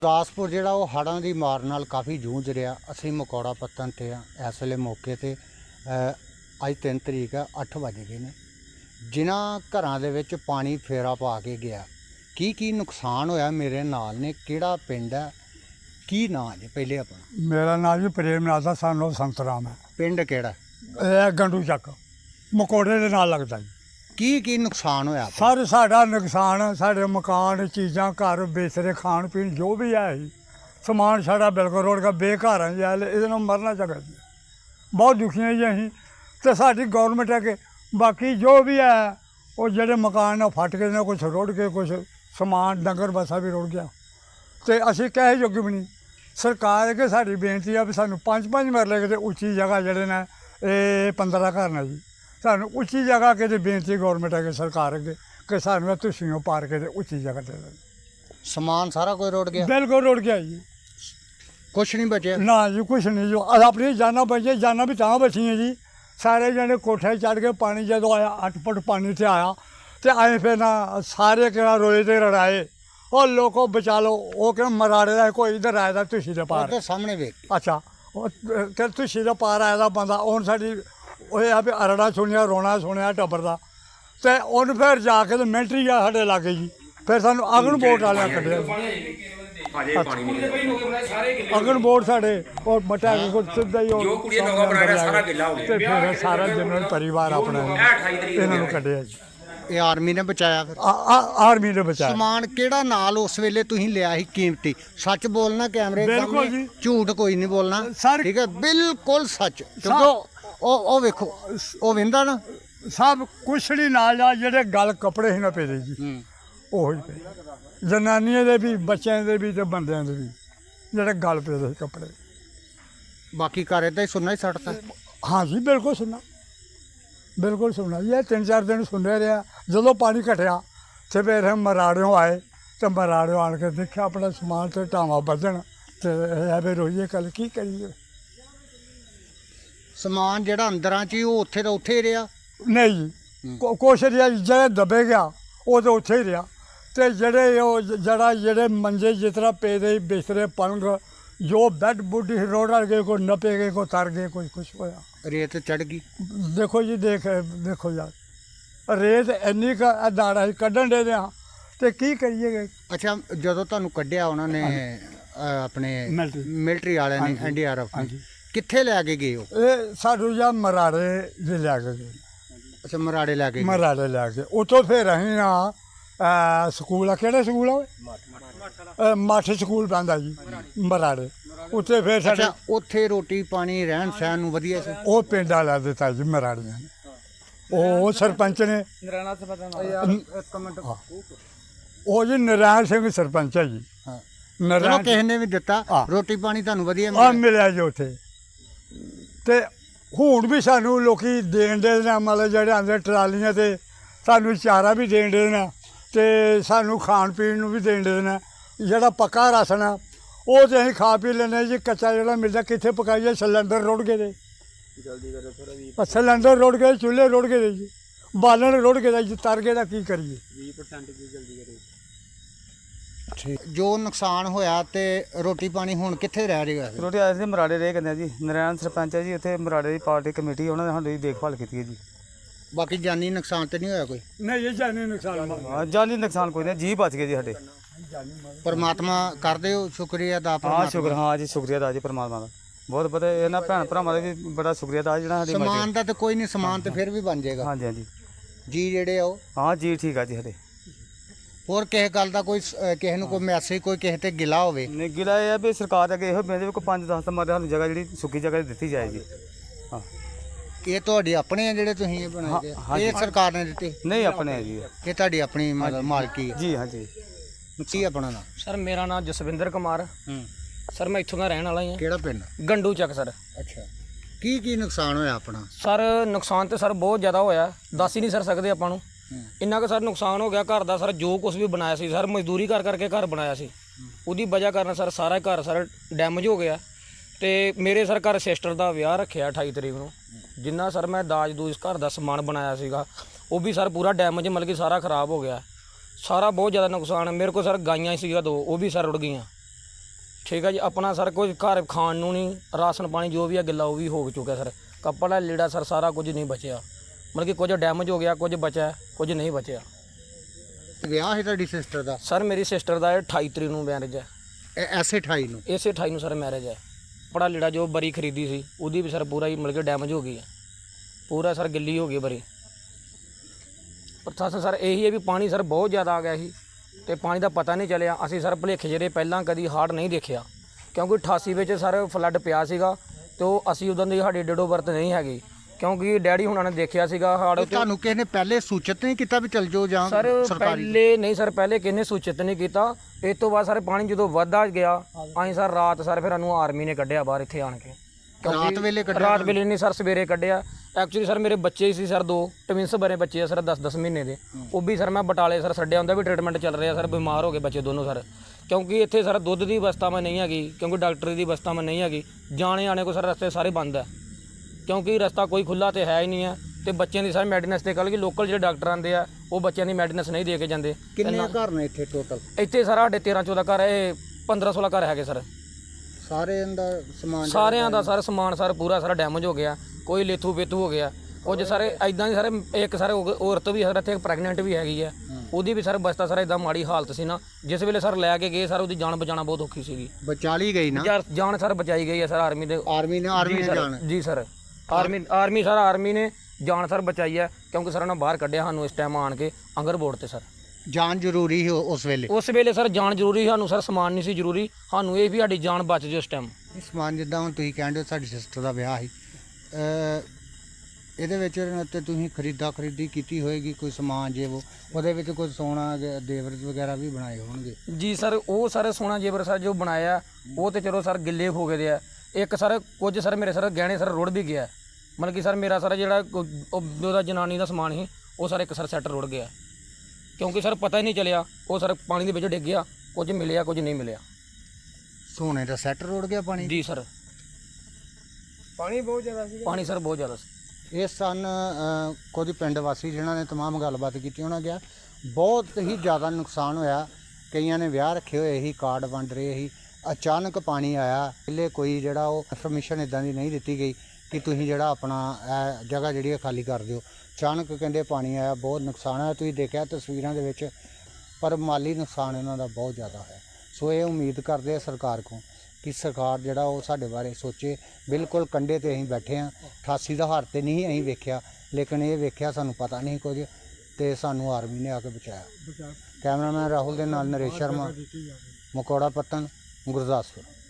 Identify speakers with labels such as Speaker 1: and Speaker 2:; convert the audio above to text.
Speaker 1: ਗੁਰਦਾਸਪੁਰ ਜਿਹੜਾ ਉਹ ਹੜ੍ਹਾਂ ਦੀ ਮਾਰ ਨਾਲ ਕਾਫੀ ਜੂਝ ਰਿਹਾ। ਅਸੀਂ ਮਕੌੜਾ ਪੱਤਣ 'ਤੇ ਆ ਇਸ ਵੇਲੇ ਮੌਕੇ 'ਤੇ। ਅੱਜ 3 ਤਰੀਕ ਆ, 8 ਵੱਜ ਗਏ ਨੇ। ਜਿਨ੍ਹਾਂ ਘਰਾਂ ਦੇ ਵਿੱਚ ਪਾਣੀ ਫੇਰਾ ਪਾ ਕੇ ਗਿਆ, ਕੀ ਨੁਕਸਾਨ ਹੋਇਆ ਮੇਰੇ ਨਾਲ ਨੇ। ਕਿਹੜਾ ਪਿੰਡ ਹੈ, ਕੀ ਨਾਂ ਜੀ ਪਹਿਲੇ ਆਪਣਾ?
Speaker 2: ਮੇਰਾ ਨਾਮ ਜੀ ਪ੍ਰੇਮ ਨਾਥ ਦਾ, ਸਾਨੂੰ ਸੰਤ ਰਾਮ ਹੈ।
Speaker 1: ਪਿੰਡ ਕਿਹੜਾ?
Speaker 2: ਇਹ ਗੰਡੂ ਚੱਕ ਮਕੌੜੇ ਦੇ ਨਾਲ ਲੱਗਦਾ ਜੀ।
Speaker 1: ਕੀ ਨੁਕਸਾਨ ਹੋਇਆ?
Speaker 2: ਸਰ ਸਾਡਾ ਨੁਕਸਾਨ, ਸਾਡੇ ਮਕਾਨ, ਚੀਜ਼ਾਂ, ਘਰ, ਬੇਸਰੇ, ਖਾਣ ਪੀਣ ਜੋ ਵੀ ਹੈ ਜੀ, ਸਮਾਨ ਸਾਡਾ ਬਿਲਕੁਲ ਰੋੜ ਗਿਆ। ਬੇਘਰ ਹਾਂ ਜੀ, ਇਹਦੇ ਨਾਲ ਮਰਨਾ ਚਾਹੀਦਾ ਜੀ। ਬਹੁਤ ਦੁਖੀ ਹਾਂ ਜੀ ਅਸੀਂ। ਅਤੇ ਸਾਡੀ ਗੌਰਮੈਂਟ ਹੈ ਕਿ ਬਾਕੀ ਜੋ ਵੀ ਹੈ ਉਹ ਜਿਹੜੇ ਮਕਾਨ ਨੇ ਫਟ ਗਏ ਨੇ, ਕੁਛ ਰੁੜ ਗਏ, ਕੁਛ ਸਮਾਨ ਡੰਗਰ ਬੱਸਾ ਵੀ ਰੁੜ ਗਿਆ। ਅਤੇ ਅਸੀਂ ਕਹੇ ਜੋਗੇ ਵੀ ਨਹੀਂ। ਸਰਕਾਰ ਅੱਗੇ ਸਾਡੀ ਬੇਨਤੀ ਆ ਵੀ ਸਾਨੂੰ 5-5 ਮਰਲੇ ਕਿਤੇ ਉੱਚੀ ਜਗ੍ਹਾ ਜਿਹੜੇ ਨੇ, ਇਹ 15 ਘਰ ਨੇ ਜੀ, ਸਾਨੂੰ ਉੱਚੀ ਜਗ੍ਹਾ ਕਿਤੇ ਬੇਨਤੀ ਗੌਰਮੈਂਟ ਅੱਗੇ, ਸਰਕਾਰ ਅੱਗੇ, ਕਿ ਸਾਨੂੰ ਤੁਸੀਂ ਪਾਰ ਕੇ ਉੱਚੀ ਜਗ੍ਹਾ ਦੇ ਦੇਣ।
Speaker 1: ਸਮਾਨ ਸਾਰਾ ਕੋਈ ਰੁੜ ਗਿਆ?
Speaker 2: ਬਿਲਕੁਲ ਰੁੜ ਗਿਆ ਜੀ,
Speaker 1: ਕੁਛ ਨਹੀਂ ਬਚਿਆ
Speaker 2: ਨਾ ਜੀ, ਕੁਛ ਨਹੀਂ। ਜੋ ਆਪਣੀ ਜਾਨਾਂ ਬਚੀਆਂ, ਜਾਨਾਂ ਵੀ ਤਾਂ ਬਚੀਆਂ ਜੀ। ਸਾਰੇ ਜਣੇ ਕੋਠੇ ਚੜ੍ਹ ਕੇ, ਪਾਣੀ ਜਦੋਂ ਆਇਆ 8 ਫੁੱਟ ਪਾਣੀ 'ਤੇ ਆਇਆ, ਅਤੇ ਆਏ ਫਿਰ ਨਾ ਸਾਰੇ ਕਿਹੜਾ ਰੋਏ 'ਤੇ ਰੜਾਏ, ਉਹ ਲੋਕੋ ਬਚਾ ਲਓ। ਉਹ ਕਿਹੜਾ ਮਰਾੜੇ ਦਾ ਕੋਈ ਇੱਧਰ ਆਇਆ ਦਾ ਤੁਸੀਂ ਦੇ ਪਾਰ,
Speaker 1: ਸਾਹਮਣੇ ਵੇਖ।
Speaker 2: ਅੱਛਾ, ਉਹ ਕਿ ਤੁਸੀਂ ਦਾ ਪਾਰ ਆਇਆ ਦਾ ਬੰਦਾ, ਉਹਨ ਸਾਡੀ ਉਹ ਆ ਵੀ ਅਰੜਾ ਸੁਣਿਆ, ਰੋਣਾ ਸੁਣਿਆ ਟੱਬਰ ਦਾ। ਅਤੇ ਉਹਨੂੰ ਫਿਰ ਜਾ ਕੇ ਤੇ ਮਿਲਟਰੀ ਆ ਸਾਡੇ ਲਾਗੇ ਜੀ, ਫਿਰ ਸਾਨੂੰ ਅਗਨ ਬੋਟ ਵਾਲਿਆਂ ਕੱਢਿਆ। ਅਗਨ ਬੋਟ ਸਾਡੇ ਉਹ ਮਟਾ ਕੇ ਕੋਲ ਸਿੱਧਾ ਹੀ ਅਤੇ ਫਿਰ ਸਾਰਾ ਜਨਰਲ ਪਰਿਵਾਰ ਆਪਣਾ ਇਹਨਾਂ ਨੂੰ ਕੱਢਿਆ ਜੀ।
Speaker 1: ਇਹ ਆਰਮੀ ਨੇ ਬਚਾਇਆ? ਫਿਰ
Speaker 2: ਆਰਮੀ ਨੇ ਬਚਾਇਆ।
Speaker 1: ਸਮਾਨ ਕਿਹੜਾ ਨਾਲ ਉਸ ਵੇਲੇ ਤੁਸੀਂ ਲਿਆ ਸੀ ਕੀਮਤੀ? ਸੱਚ ਬੋਲਣਾ ਕੈਮਰੇ
Speaker 2: ਬਿਲਕੁਲ
Speaker 1: ਸਾਹਮਣੇ,
Speaker 2: ਜੀ,
Speaker 1: ਝੂਠ ਕੋਈ ਨਹੀਂ ਬੋਲਣਾ।
Speaker 2: ਸਰ
Speaker 1: ਠੀਕ ਹੈ, ਬਿਲਕੁਲ ਸੱਚ। ਕਿਉਂਕਿ ਉਹ ਵੇਖੋ, ਉਹ ਵਿੰਦਾ ਨਾ
Speaker 2: ਸਭ ਕੁਛ ਨਹੀਂ ਨਾਲ ਆ। ਜਿਹੜੇ ਗੱਲ ਕੱਪੜੇ ਸੀ ਨਾ ਪਏ ਜੀ, ਉਹ ਹੀ ਪਏ, ਜਨਾਨੀਆਂ ਦੇ ਵੀ, ਬੱਚਿਆਂ ਦੇ ਵੀ, ਤੇ ਬੰਦਿਆਂ ਦੇ ਵੀ, ਜਿਹੜੇ ਗੱਲ ਪਏ ਸੀ ਕੱਪੜੇ।
Speaker 1: ਬਾਕੀ ਘਰ ਏਦਾਂ ਹੀ ਸੁਣਨਾ ਹੀ ਛੱਡਤਾ?
Speaker 2: ਹਾਂ ਜੀ, ਬਿਲਕੁਲ ਸੁਣਨਾ, ਬਿਲਕੁਲ ਸੁਣਨਾ ਜੀ। ਇਹ 3-4 ਦਿਨ ਸੁਣਿਆ ਰਿਹਾ। ਜਦੋਂ ਪਾਣੀ ਘਟਿਆ ਤੇ ਫਿਰ ਮਰਾੜਿਓਂ ਆਏ, ਤੇ ਮਰਾੜਿਓਂ ਆਣ ਕੇ ਦੇਖਿਆ ਆਪਣਾ ਸਮਾਨ ਤੇ ਢਾਵਾ ਵੱਜਣ, ਤੇ ਇਹ ਫਿਰ ਰੋਈਏ ਕੱਲ ਕੀ ਕਰੀਏ।
Speaker 1: ਸਮਾਨ ਜਿਹੜਾ ਅੰਦਰਾਂ 'ਚ ਹੀ, ਉਹ ਉੱਥੇ ਦਾ ਉੱਥੇ ਹੀ ਰਿਹਾ?
Speaker 2: ਨਹੀਂ ਜੀ, ਕੁਛ ਰਿਹਾ ਜਿਹੜੇ ਦਬੇ ਗਿਆ ਉਹ ਤਾਂ ਉੱਥੇ ਹੀ ਰਿਹਾ। ਅਤੇ ਜਿਹੜੇ ਮੰਜੇ ਜਿਸ ਤਰ੍ਹਾਂ ਪਏ ਦੇ, ਬਿਸਤਰੇ, ਪਲੰਗ, ਜੋ ਬੈੱਡ ਬੁੱਡ ਰੋੜ ਗਏ, ਕੋਈ ਨੱਪੇ ਗਏ, ਕੋਈ ਤਰ ਗਏ, ਕੁਛ ਹੋਇਆ।
Speaker 1: ਰੇਤ ਚੜ੍ਹ ਗਈ?
Speaker 2: ਦੇਖੋ ਜੀ, ਦੇਖੋ ਯਾਰ, ਰੇਤ ਇੰਨੀ ਕੁ ਦਾੜਾ ਸੀ, ਕੱਢਣ ਦੇ ਦਿਆਂ ਅਤੇ ਕੀ ਕਰੀਏ।
Speaker 1: ਅੱਛਾ, ਜਦੋਂ ਤੁਹਾਨੂੰ ਕੱਢਿਆ ਉਹਨਾਂ ਨੇ ਆਪਣੇ ਮਿਲਟਰੀ ਵਾਲਿਆਂ ਨੇ, NDRF ਨੇ, ਕਿੱਥੇ ਲੈ ਕੇ ਗਏ? ਉਹ
Speaker 2: ਇਹ ਸਾਨੂੰ ਜਾਂ ਮਰਾੜੇ ਜੇ ਲੈ ਕੇ ਗਏ।
Speaker 1: ਅੱਛਾ, ਮਰਾੜੇ ਲੈ ਕੇ?
Speaker 2: ਮਰਾੜੇ ਲੈ ਕੇ ਉੱਥੋਂ ਫਿਰ ਅਸੀਂ ਨਾ ਸਕੂਲ ਆ, ਕਿਹੜਾ ਸਕੂਲ ਆ? ਮੱਠ ਸਕੂਲ ਪੈਂਦਾ ਜੀ ਮਰਾੜੇ। ਉੱਥੇ ਫਿਰ ਸਾਡੇ
Speaker 1: ਉੱਥੇ ਰੋਟੀ ਪਾਣੀ ਰਹਿਣ ਸਹਿਣ ਨੂੰ ਵਧੀਆ ਸੀ?
Speaker 2: ਉਹ ਪਿੰਡ ਵਾਲਾ ਦਿੱਤਾ ਜੀ ਮਰਾੜੀਆਂ ਨੇ, ਉਹ ਸਰਪੰਚ ਨੇ। ਉਹ ਜੀ ਨਾਰਾਇਣ ਸਿੰਘ ਸਰਪੰਚ ਹੈ ਜੀ।
Speaker 1: ਨਾਰਾਇਣ ਕਿਸੇ ਨੇ ਵੀ ਦਿੱਤਾ ਰੋਟੀ ਪਾਣੀ ਤੁਹਾਨੂੰ ਵਧੀਆ
Speaker 2: ਮਿਲਿਆ ਜੀ ਉੱਥੇ। ਅਤੇ ਹੁਣ ਵੀ ਸਾਨੂੰ ਲੋਕੀ ਦੇਣ ਦੇ ਨੇ, ਮਤਲਬ ਜਿਹੜੇ ਆਉਂਦੇ ਟਰਾਲੀਆਂ 'ਤੇ ਸਾਨੂੰ ਚਾਰਾ ਵੀ ਦੇਣ ਦੇ ਨੇ, ਅਤੇ ਸਾਨੂੰ ਖਾਣ ਪੀਣ ਨੂੰ ਵੀ ਦੇਣ ਦੇ ਨੇ। ਜਿਹੜਾ ਪੱਕਾ ਰਾਸ਼ਨ ਆ ਉਹ ਤਾਂ ਅਸੀਂ ਖਾ ਪੀ ਲੈਂਦੇ ਜੀ, ਕੱਚਾ ਜਿਹੜਾ ਮਿਲਦਾ ਕਿੱਥੇ ਪਕਾਈਏ। ਸਿਲੰਡਰ ਰੁੜ ਗਏ ਦੇ, ਸਿਲੰਡਰ ਰੁੜ ਗਏ, ਚੁੱਲ੍ਹੇ ਰੁੜ ਗਏ ਦੇ ਜੀ, ਬਾਲਣ ਰੁੜ ਗਏ ਦਾ ਜੀ, ਤਰ ਗਏ ਦਾ ਕੀ ਕਰੀਏ।
Speaker 1: 20% ਕੀ ਜਲਦੀ ਕਰੇ। ਜੋ ਨੁਕਸਾਨ ਹੋਇਆ ਤੇ ਰੋਟੀ ਪਾਣੀ ਹੁਣ ਕਿੱਥੇ ਰਹਿ ਰਿਹਾ?
Speaker 3: ਰੋਟੀ ਆਏ ਸੀ ਮਰਾੜੇ ਰਹੇ ਕਹਿੰਦੇ ਜੀ, ਨਾਰਾਇਣ ਸਰਪੰਚ ਹੈ ਜੀ ਉੱਥੇ ਮਰਾੜੇ ਦੀ ਪਾਰਟੀ ਕਮੇਟੀ, ਉਹਨਾਂ ਨੇ ਸਾਡੀ ਦੇਖਭਾਲ ਕੀਤੀ ਹੈ ਜੀ।
Speaker 1: ਬਾਕੀ ਜਾਨੀ ਨੁਕਸਾਨ ਤੇ ਨਹੀਂ ਹੋਇਆ ਕੋਈ?
Speaker 2: ਨਹੀਂ ਜੀ, ਜਾਨੀ ਨੁਕਸਾਨ,
Speaker 3: ਜਾਨੀ ਨੁਕਸਾਨ ਕੋਈ ਨਹੀਂ, ਜੀ ਬਚ ਗਏ ਜੀ ਸਾਡੇ।
Speaker 1: ਪਰਮਾਤਮਾ ਕਰਦੇ ਹੋ ਸ਼ੁਕਰੀਆ ਦਾ?
Speaker 3: ਹਾਂ ਸ਼ੁਕਰ, ਹਾਂ ਜੀ ਸ਼ੁਕਰੀਆ ਦਾ ਜੀ ਪਰਮਾਤਮਾ ਦਾ, ਬਹੁਤ ਬਹੁਤ ਇਹਨਾਂ ਭੈਣ ਭਰਾਵਾਂ ਦਾ ਵੀ ਬੜਾ ਸ਼ੁਕਰੀਆ ਦਾ ਜਿਹੜਾ ਸਾਡੀ
Speaker 1: ਸਮਾਨ ਦਾ ਤਾਂ ਕੋਈ ਨਹੀਂ, ਸਮਾਨ ਤੇ ਫਿਰ ਵੀ ਬਣ ਜਾਏਗਾ।
Speaker 3: ਹਾਂਜੀ ਹਾਂਜੀ
Speaker 1: ਜੀ ਜਿਹੜੇ ਆ ਉਹ?
Speaker 3: ਹਾਂ ਜੀ ਠੀਕ ਆ ਜੀ ਸਾਡੇ।
Speaker 1: ਹੋਰ ਕਿਸੇ ਗੱਲ ਦਾ ਕੋਈ ਕਿਸੇ ਨੂੰ ਕੋਈ ਮੈਸੇਜ, ਕੋਈ ਕਿਸੇ ਤੇ ਗਿਲਾ ਹੋਵੇ?
Speaker 3: ਨਹੀਂ, ਗਿਲਾ ਇਹ ਆ ਵੀ ਸਰਕਾਰ ਅੱਗੇ ਇਹੋ ਬੇਨਤੀ ਵੀ ਕੋਈ 5-10 ਮਰਲੇ ਸਾਨੂੰ ਜਗ੍ਹਾ ਜਿਹੜੀ ਸੁੱਕੀ ਜਗ੍ਹਾ ਦਿੱਤੀ ਜਾਏ ਜੀ। ਹਾਂ,
Speaker 1: ਇਹ ਤੁਹਾਡੇ ਆਪਣੇ ਆ ਜਿਹੜੇ ਤੁਸੀਂ ਇਹ ਬਣਾਏ? ਇਹ ਸਰਕਾਰ ਨੇ ਦਿੱਤੇ?
Speaker 3: ਨਹੀਂ, ਆਪਣੇ ਆ ਜੀ,
Speaker 1: ਇਹ ਤੁਹਾਡੀ ਆਪਣੀ ਮਾਲਕੀ ਹੈ
Speaker 3: ਜੀ? ਹਾਂਜੀ।
Speaker 1: ਕੀ ਆਪਣਾ ਨਾਮ?
Speaker 4: ਸਰ ਮੇਰਾ ਨਾਮ ਜਸਵਿੰਦਰ ਕੁਮਾਰ। ਸਰ ਮੈਂ ਇੱਥੋਂ ਦਾ ਰਹਿਣ ਵਾਲਾ ਹੀ ਹਾਂ।
Speaker 1: ਕਿਹੜਾ ਪਿੰਡ?
Speaker 4: ਗੰਡੂ ਚੱਕ ਸਰ।
Speaker 1: ਅੱਛਾ, ਕੀ ਨੁਕਸਾਨ ਹੋਇਆ ਆਪਣਾ?
Speaker 4: ਸਰ ਨੁਕਸਾਨ ਤੇ ਸਰ ਬਹੁਤ ਜ਼ਿਆਦਾ ਹੋਇਆ, ਦੱਸ ਹੀ ਨਹੀਂ ਸਰ ਸਕਦੇ ਆਪਾਂ ਨੂੰ। ਇੰਨਾ ਕੁ ਸਰ ਨੁਕਸਾਨ ਹੋ ਗਿਆ ਘਰ ਦਾ। ਸਰ ਜੋ ਕੁਝ ਵੀ ਬਣਾਇਆ ਸੀ ਸਰ, ਮਜ਼ਦੂਰੀ ਕਰ ਕਰਕੇ ਘਰ ਬਣਾਇਆ ਸੀ, ਉਹਦੀ ਵਜ੍ਹਾ ਕਾਰਨ ਸਰ ਸਾਰਾ ਘਰ ਸਰ ਡੈਮੇਜ ਹੋ ਗਿਆ। ਤੇ ਮੇਰੇ ਸਰ ਘਰ ਸਿਸਟਰ ਦਾ ਵਿਆਹ ਰੱਖਿਆ 28 ਤਰੀਕ ਨੂੰ, ਜਿੰਨਾ ਸਰ ਮੈਂ ਦਾਜ ਦੂਜ ਘਰ ਦਾ ਸਮਾਨ ਬਣਾਇਆ ਸੀਗਾ ਉਹ ਵੀ ਸਰ ਪੂਰਾ ਡੈਮੇਜ, ਮਤਲਬ ਕਿ ਸਾਰਾ ਖਰਾਬ ਹੋ ਗਿਆ। ਸਾਰਾ ਬਹੁਤ ਜ਼ਿਆਦਾ ਨੁਕਸਾਨ। ਮੇਰੇ ਕੋਲ ਸਰ ਗਾਈਆਂ ਸੀਗਾ 2, ਉਹ ਵੀ ਸਰ ਰੁੜ ਗਈਆਂ। ਠੀਕ ਹੈ ਜੀ। ਆਪਣਾ ਸਰ ਕੁਝ ਘਰ ਖਾਣ ਨੂੰ ਨਹੀਂ, ਰਾਸ਼ਨ ਪਾਣੀ ਜੋ ਵੀ ਹੈ ਗਿੱਲਾ ਉਹ ਵੀ ਹੋ ਚੁੱਕਿਆ ਸਰ। ਕੱਪੜਾ ਲੀੜਾ ਸਰ ਸਾਰਾ ਕੁਝ ਨਹੀਂ ਬਚਿਆ, ਮਤਲਬ ਕਿ ਕੁਝ ਡੈਮੇਜ ਹੋ ਗਿਆ, ਕੁਝ ਬਚਿਆ, ਕੁਝ ਨਹੀਂ ਬਚਿਆ।
Speaker 1: ਵਿਆਹ ਹੈ ਤੁਹਾਡੀ ਸਿਸਟਰ ਦਾ?
Speaker 4: ਸਰ ਮੇਰੀ ਸਿਸਟਰ ਦਾ 28 ਤਰੀਕ ਨੂੰ ਮੈਰਿਜ ਹੈ।
Speaker 1: ਐਸੇ 28 ਨੂੰ?
Speaker 4: ਇਸੇ 28 ਨੂੰ ਸਰ ਮੈਰਿਜ ਹੈ। ਕੱਪੜਾ ਲੀੜਾ ਜੋ ਬਰੀ ਖਰੀਦੀ ਸੀ ਉਹਦੀ ਵੀ ਸਰ ਪੂਰਾ ਹੀ ਮਤਲਬ ਕਿ ਡੈਮੇਜ ਹੋ ਗਈ ਹੈ, ਪੂਰਾ ਸਰ ਗਿੱਲੀ ਹੋ ਗਈ ਬਰੀ। ਪ੍ਰਸ਼ਾਸਨ ਸਰ ਇਹੀ ਹੈ ਵੀ ਪਾਣੀ ਸਰ ਬਹੁਤ ਜ਼ਿਆਦਾ ਆ ਗਿਆ ਸੀ ਤੇ ਪਾਣੀ ਦਾ ਪਤਾ ਨਹੀਂ ਚੱਲਿਆ। ਅਸੀਂ ਸਰ ਭੁਲੇਖੇ ਜਿਹੜੇ ਪਹਿਲਾਂ ਕਦੀ ਹੜ੍ਹ ਨਹੀਂ ਦੇਖਿਆ, ਕਿਉਂਕਿ 88 ਵਿੱਚ ਸਰ ਫਲੱਡ ਪਿਆ ਸੀਗਾ ਤੇ ਉਹ ਅਸੀਂ ਉਦੋਂ ਦੀ ਸਾਡੀ ਡੇਡੋ ਬਰਤ ਨਹੀਂ ਹੈਗੀ, ਕਿਉਂਕਿ ਡੈਡੀ ਹੁਣਾਂ ਨੇ ਦੇਖਿਆ ਸੀਗਾ ਹੜ੍ਹ।
Speaker 1: ਤੁਹਾਨੂੰ ਕਿਸੇ ਨੇ ਪਹਿਲੇ ਸੂਚਿਤ ਨਹੀਂ ਕੀਤਾ ਵੀ ਚੱਲ ਜਾਓ ਜਾਂ
Speaker 4: ਸਰ
Speaker 1: ਸਰਕਾਰੀ?
Speaker 4: ਪਹਿਲੇ ਨਹੀਂ ਸਰ, ਪਹਿਲੇ ਕਿਹਨੇ ਸੂਚਿਤ ਨਹੀਂ ਕੀਤਾ। ਇਸ ਤੋਂ ਬਾਅਦ ਸਰ ਪਾਣੀ ਜਦੋਂ ਵੱਧਦਾ ਗਿਆ ਅਸੀਂ ਸਰ ਰਾਤ ਸਰ ਫਿਰ ਸਾਨੂੰ ਆਰਮੀ ਨੇ ਕੱਢਿਆ ਬਾਹਰ ਇੱਥੇ ਆਣ ਕੇ।
Speaker 1: ਰਾਤ ਵੇਲੇ ਕੱਢਿਆ?
Speaker 4: ਰਾਤ ਵੇਲੇ ਨਹੀਂ ਸਰ, ਸਵੇਰੇ ਕੱਢਿਆ। ਐਕਚੁਅਲੀ ਸਰ ਮੇਰੇ ਬੱਚੇ ਹੀ ਸੀ ਸਰ, 2 ਟਵਿੰਸ ਬਣੇ ਬੱਚੇ ਆ ਸਰ 10-10 ਮਹੀਨੇ ਦੇ। ਉਹ ਵੀ ਸਰ ਮੈਂ ਬਟਾਲੇ ਸਰ ਛੱਡਿਆ, ਹੁੰਦਾ ਵੀ ਟ੍ਰੀਟਮੈਂਟ ਚੱਲ ਰਿਹਾ ਸਰ, ਬਿਮਾਰ ਹੋ ਗਏ ਬੱਚੇ ਦੋਨੋਂ ਸਰ। ਕਿਉਂਕਿ ਇੱਥੇ ਸਰ ਦੁੱਧ ਦੀ ਵਿਵਸਥਾ ਮੈਂ ਨਹੀਂ ਹੈਗੀ, ਕਿਉਂਕਿ ਡਾਕਟਰ ਦੀ ਵਿਵਸਥਾ ਮੈਂ ਨਹੀਂ ਹੈਗੀ। ਜਾਣੇ ਆਣੇ ਕੋ ਸਰ ਰਸਤੇ ਸਾਰੇ ਬੰਦ ਹੈ, ਕਿਉਂਕਿ ਰਸਤਾ ਕੋਈ ਖੁੱਲ੍ਹਾ ਤੇ ਹੈ ਹੀ ਨਹੀਂ ਹੈ। ਤੇ ਬੱਚਿਆਂ ਦੀ ਸਰ ਮੈਡੀਨੈਸ ਤੇ ਕੱਲ ਕਿ ਲੋਕਲ ਜਿਹੜੇ ਡਾਕਟਰ ਆਉਂਦੇ ਆ ਉਹ ਬੱਚਿਆਂ ਦੀ ਮੈਡੀਨੈਸ ਨਹੀਂ ਦੇ ਕੇ ਜਾਂਦੇ।
Speaker 1: ਕਿੰਨੇ ਘਰ ਨੇ ਇੱਥੇ ਟੋਟਲ?
Speaker 4: ਇੱਥੇ ਸਰ ਸਾਡੇ 13-14 ਘਰ ਹੈ, 15-16 ਘਰ ਹੈਗੇ ਸਰ।
Speaker 1: ਸਾਰਿਆਂ ਦਾ ਸਮਾਨ?
Speaker 4: ਸਾਰਿਆਂ ਦਾ ਸਰ ਸਮਾਨ ਸਰ ਪੂਰਾ ਸਾਰਾ ਡੈਮੇਜ ਹੋ ਗਿਆ, ਕੋਈ ਲੇਥੂ ਪੇਥੂ ਹੋ ਗਿਆ ਕੁਝ ਸਰ ਐਦਾਂ ਹੀ ਸਰ। ਇੱਕ ਸਰ ਔਰਤ ਵੀ ਸਰ ਇੱਥੇ ਪ੍ਰੈਗਨੈਂਟ ਵੀ ਹੈਗੀ ਹੈ, ਉਹਦੀ ਵੀ ਸਰ ਬਸਤਾ ਸਰ ਇਦਾਂ ਮਾੜੀ ਹਾਲਤ ਸੀ ਨਾ, ਜਿਸ ਵੇਲੇ ਸਰ ਲੈ ਕੇ ਗਏ ਸਰ ਉਹਦੀ ਜਾਨ ਬਚਾਉਣਾ ਬਹੁਤ ਔਖੀ ਸੀਗੀ।
Speaker 1: ਬਚਾ ਲਈ ਗਈ ਨਾ?
Speaker 4: ਜਾਨ ਸਰ ਬਚਾਈ ਗਈ ਹੈ ਸਰ ਆਰਮੀ ਨੇ
Speaker 1: ਜਾਨ?
Speaker 4: ਜੀ ਸਰ, ਆਰਮੀ ਨੇ ਜਾਨ ਸਰ ਬਚਾਈ ਹੈ, ਕਿਉਂਕਿ ਸਰ ਉਹਨਾਂ ਬਾਹਰ ਕੱਢਿਆ ਸਾਨੂੰ ਇਸ ਟਾਈਮ ਆਣ ਕੇ ਅੰਗਰ ਬੋਰਡ ਤੇ ਸਰ।
Speaker 1: ਜਾਨ ਜ਼ਰੂਰੀ ਸੀ ਉਸ ਵੇਲੇ?
Speaker 4: ਉਸ ਵੇਲੇ ਸਰ ਜਾਨ ਜ਼ਰੂਰੀ, ਸਾਨੂੰ ਸਰ ਸਮਾਨ ਨਹੀਂ ਸੀ ਜ਼ਰੂਰੀ, ਸਾਨੂੰ ਇਹ ਵੀ ਸਾਡੀ ਜਾਨ ਬਚ ਜੇ ਉਸ ਟਾਈਮ।
Speaker 1: ਇਹ ਸਮਾਨ ਜਿੱਦਾਂ ਹੁਣ ਤੁਸੀਂ ਕਹਿੰਦੇ ਹੋ ਸਾਡੀ ਸਿਸਟਰ ਦਾ ਵਿਆਹ ਸੀ, ਇਹਦੇ ਵਿੱਚ ਤੇ ਤੁਸੀਂ ਖਰੀਦੀ ਕੀਤੀ ਹੋਏਗੀ ਕੋਈ ਸਮਾਨ ਜੇ ਉਹਦੇ ਵਿੱਚ ਕੋਈ ਸੋਨਾ ਦੇਵਰ ਵਗੈਰਾ ਵੀ ਬਣਾਏ ਹੋਣਗੇ? ਜੀ
Speaker 4: ਸਰ ਉਹ ਸਰ ਸੋਨਾ ਜੇਵਰ ਸਰ ਜੋ ਬਣਾਇਆ ਉਹ ਤੇ ਚਲੋ ਸਰ ਗਿੱਲੇ ਹੋ ਗਏ ਦੇ ਆ। ਇੱਕ ਸਰ ਕੁਝ ਸਰ ਮੇਰੇ ਸਰ ਗਹਿਣੇ ਸਰ ਰੁੜ ਵੀ ਗਿਆ, ਮਤਲਬ ਕਿ ਸਰ ਮੇਰਾ ਸਰ ਜਿਹੜਾ ਉਹਦਾ ਜਨਾਨੀ ਦਾ ਸਮਾਨ ਸੀ ਉਹ ਸਰ ਇੱਕ ਸਰ ਸੈੱਟ ਰੁੜ ਗਿਆ, ਕਿਉਂਕਿ ਸਰ ਪਤਾ ਹੀ ਨਹੀਂ ਚੱਲਿਆ, ਉਹ ਸਰ ਪਾਣੀ ਦੇ ਵਿੱਚ ਡਿੱਗ ਗਿਆ, ਕੁਝ ਮਿਲਿਆ ਕੁਝ ਨਹੀਂ ਮਿਲਿਆ।
Speaker 1: ਸੋਨੇ ਦਾ ਸੈੱਟ ਰੁੜ ਗਿਆ ਪਾਣੀ?
Speaker 4: ਜੀ ਸਰ, ਪਾਣੀ ਬਹੁਤ ਜ਼ਿਆਦਾ ਸੀ, ਪਾਣੀ ਸਰ ਬਹੁਤ ਜ਼ਿਆਦਾ ਸੀ।
Speaker 1: ਇਹ ਸਨ ਕੁਝ ਪਿੰਡ ਵਾਸੀ ਜਿਨ੍ਹਾਂ ਨੇ ਤਮਾਮ ਗੱਲਬਾਤ ਕੀਤੀ। ਉਹਨਾਂ ਕਿਹਾ ਬਹੁਤ ਹੀ ਜ਼ਿਆਦਾ ਨੁਕਸਾਨ ਹੋਇਆ, ਕਈਆਂ ਨੇ ਵਿਆਹ ਰੱਖੇ ਹੋਏ ਸੀ, ਕਾਰਡ ਵੰਡ ਰਹੇ ਸੀ, ਅਚਾਨਕ ਪਾਣੀ ਆਇਆ। ਪਹਿਲੇ ਕੋਈ ਜਿਹੜਾ ਉਹ ਇਨਫੋਰਮੇਸ਼ਨ ਇਦਾਂ ਦੀ ਨਹੀਂ ਦਿੱਤੀ ਗਈ ਕਿ ਤੁਸੀਂ ਜਿਹੜਾ ਆਪਣਾ ਇਹ ਜਗ੍ਹਾ ਜਿਹੜੀ ਖਾਲੀ ਕਰ ਦਿਓ। ਅਚਾਨਕ ਕਹਿੰਦੇ ਪਾਣੀ ਆਇਆ, ਬਹੁਤ ਨੁਕਸਾਨ ਹੋਇਆ। ਤੁਸੀਂ ਦੇਖਿਆ ਤਸਵੀਰਾਂ ਦੇ ਵਿੱਚ, ਪਰ ਮਾਲੀ ਨੁਕਸਾਨ ਇਹਨਾਂ ਦਾ ਬਹੁਤ ਜ਼ਿਆਦਾ ਹੈ। ਸੋ ਇਹ ਉਮੀਦ ਕਰਦੇ ਆ ਸਰਕਾਰ ਕੋਲ ਕਿ ਸਰਕਾਰ ਜਿਹੜਾ ਉਹ ਸਾਡੇ ਬਾਰੇ ਸੋਚੇ। ਬਿਲਕੁਲ ਕੰਢੇ ਤੇ ਅਸੀਂ ਬੈਠੇ ਹਾਂ, 88 ਦਾ ਹਾਰ ਤੇ ਨਹੀਂ ਅਸੀਂ ਵੇਖਿਆ, ਲੇਕਿਨ ਇਹ ਵੇਖਿਆ ਸਾਨੂੰ ਪਤਾ ਨਹੀਂ ਕੁਝ, ਤੇ ਸਾਨੂੰ ਆਰਮੀ ਨੇ ਆ ਕੇ ਬਚਾਇਆ। ਕੈਮਰਾਮੈਨ ਰਾਹੁਲ ਦੇ ਨਾਲ ਨਰੇਸ਼ ਸ਼ਰਮਾ, ਮਕੌੜਾ ਪੱਤਨ, ਗੁਰਦਾਸਪੁਰ।